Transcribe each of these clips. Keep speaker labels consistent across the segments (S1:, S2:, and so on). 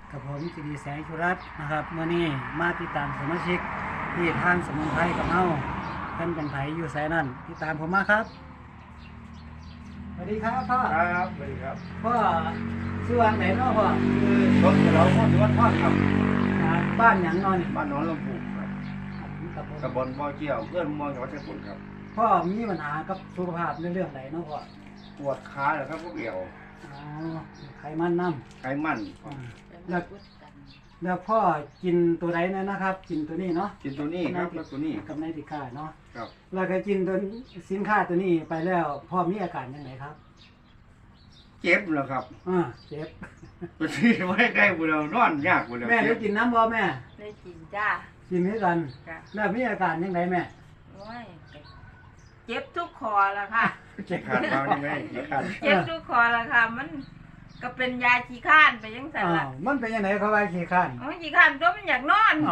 S1: กับผมสิริแสงชุรัตน์นะครับเมื่อนี้มาติดตามสมาชิกที่ทานสมุนไพรกับเฮาเพิ่นเป็นไผอยู่ไสนั่นติดตามผมมาครับสวัสดีครับพ่อ
S2: ครับสวัสดีครับ
S1: พ่อชื่อว่าไหนเนาะพ่อ
S2: คือรถเราพ่อที่วัดทอดครับ
S1: บ้านหยังเนอน
S2: บ้านหนองลำพูครับ
S1: กับผม
S2: ตำบลบ่อเกี่ยวเพื่อนเมืองจังหวัดชัยภูมิครับ
S1: พ่อมีปัญหากับสุขภาพในเรื่องใดเนาะพ่อ
S2: ปวดขาเหรอครับพวกเอี่ยว
S1: อ๋อไขมันน้
S2: ไขมัน
S1: ำแล้วพ่อกินตัวใดนะครับ กินตัวนี้เนาะ
S2: กินตัวนี้ครับแล้วตัวนี้
S1: กับในติค่าเนาะ
S2: ครับ
S1: แล้วก็กินตัวสินค้าตัวนี้ไปแล้วพ่อมีอาการยังไงครับ
S2: เจ็บเหรอครับ
S1: เจ็บ
S2: ตัวที่ไว้ใกล้บุเรานอนยากบุเรา
S1: แม่ได้กินน้ำบ่แม่
S3: ได้กินจ้า
S1: กินด้วยกัน
S3: จ้ะ
S1: แล้วมีอาการยังไงแม่
S3: โอ้ยเจ็บทุกคอละค่ะ
S2: เจ็บขาดมาไม่เจ็บขาด
S3: เจ็บทุกคอละค่ะ มันก็เป็นยาขี้ข้านไปยังสันละ
S1: มันเป็นยังไงเขาว่าขี้ข้าน
S3: โอ้ยขี้ข้านตัวมันอยากนอน
S1: เอา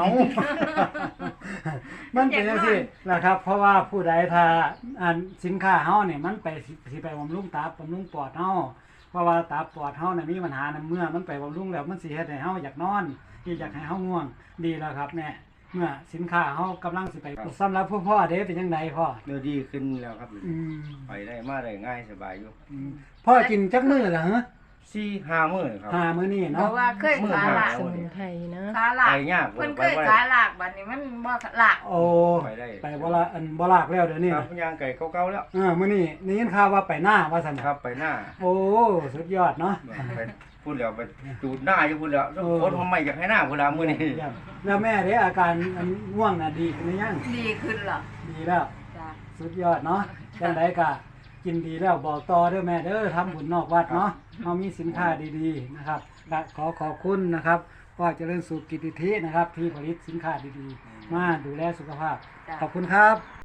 S1: มันเป็นยังซี่นะครับ เพราะว่าผู้ใดถ้าสินค้าเฮาเนี่ยมันไปสิไปบำรุงตับบำรุงปอดเฮาเพราะว่าตับปอดเฮาน่ะมีปัญหาเมื่อมันไปบำรุงแล้วมันสิเฮ็ดให้เฮาอยากนอนอยากให้เฮาง่วงดีแล้วครับแม่เมื่อสินค้าเฮากำลังสิไปสำหรับผู้พ่อเด้เป็นจังไดพ่อ
S2: เนื้อดีขึ้นแล้วครับ
S1: อืม
S2: ไปได้มาได้ง่ายสบายอยู่
S1: พ่อกินจักมื้อล่ะฮะ
S2: 4-5 มื้อครับ
S1: มื้อนี้
S3: เพ
S1: เนาะ
S3: ราะว่าเคยขาหลาก
S4: สมุนไพรนะ
S3: ขาหลาก
S2: ไปยาก
S3: เพิ่นเคยขาหลากบัดนี้มันบ่หลาก
S1: โอ้
S2: ไปได้
S1: ไปบ่ละบ่ลากแล้วเดี๋ยวนี้
S2: ครับ
S1: นะ
S2: ย่างไก่เก่าๆแล้ว
S1: มื้อนี้ได้ยินข่าวว่าไปหน้าว่าซั่น
S2: ครับไปหน้า
S1: โอ้สุดยอดเนาะ
S2: ไปพูดแล้วไปจูดหน้าอยู่พูดแล้ว
S1: เออ
S2: คนทำไมอยากให้หน้าพูดแล้วมื้อนี้
S1: เยี่ยมแล้วแม่เด้อาการง่วงน่ะดีขึ้นหรือยัง
S3: ดีขึ้นเหรอ
S1: ดีแล้ว
S3: จ้า
S1: สุดยอดเนาะจังไดก็กินดีแล้วบอกต่อเด้อแม่เด้อทำบุญนอกวัดเนาะเฮามีสินค้าดีๆนะครับก็ขอขอบคุณนะครับพ่อเจริญสุขกิตติธินะครับที่ผลิตสินค้าดีๆมาดูแลสุขภาพ
S3: จ้า
S1: ขอบคุณครับ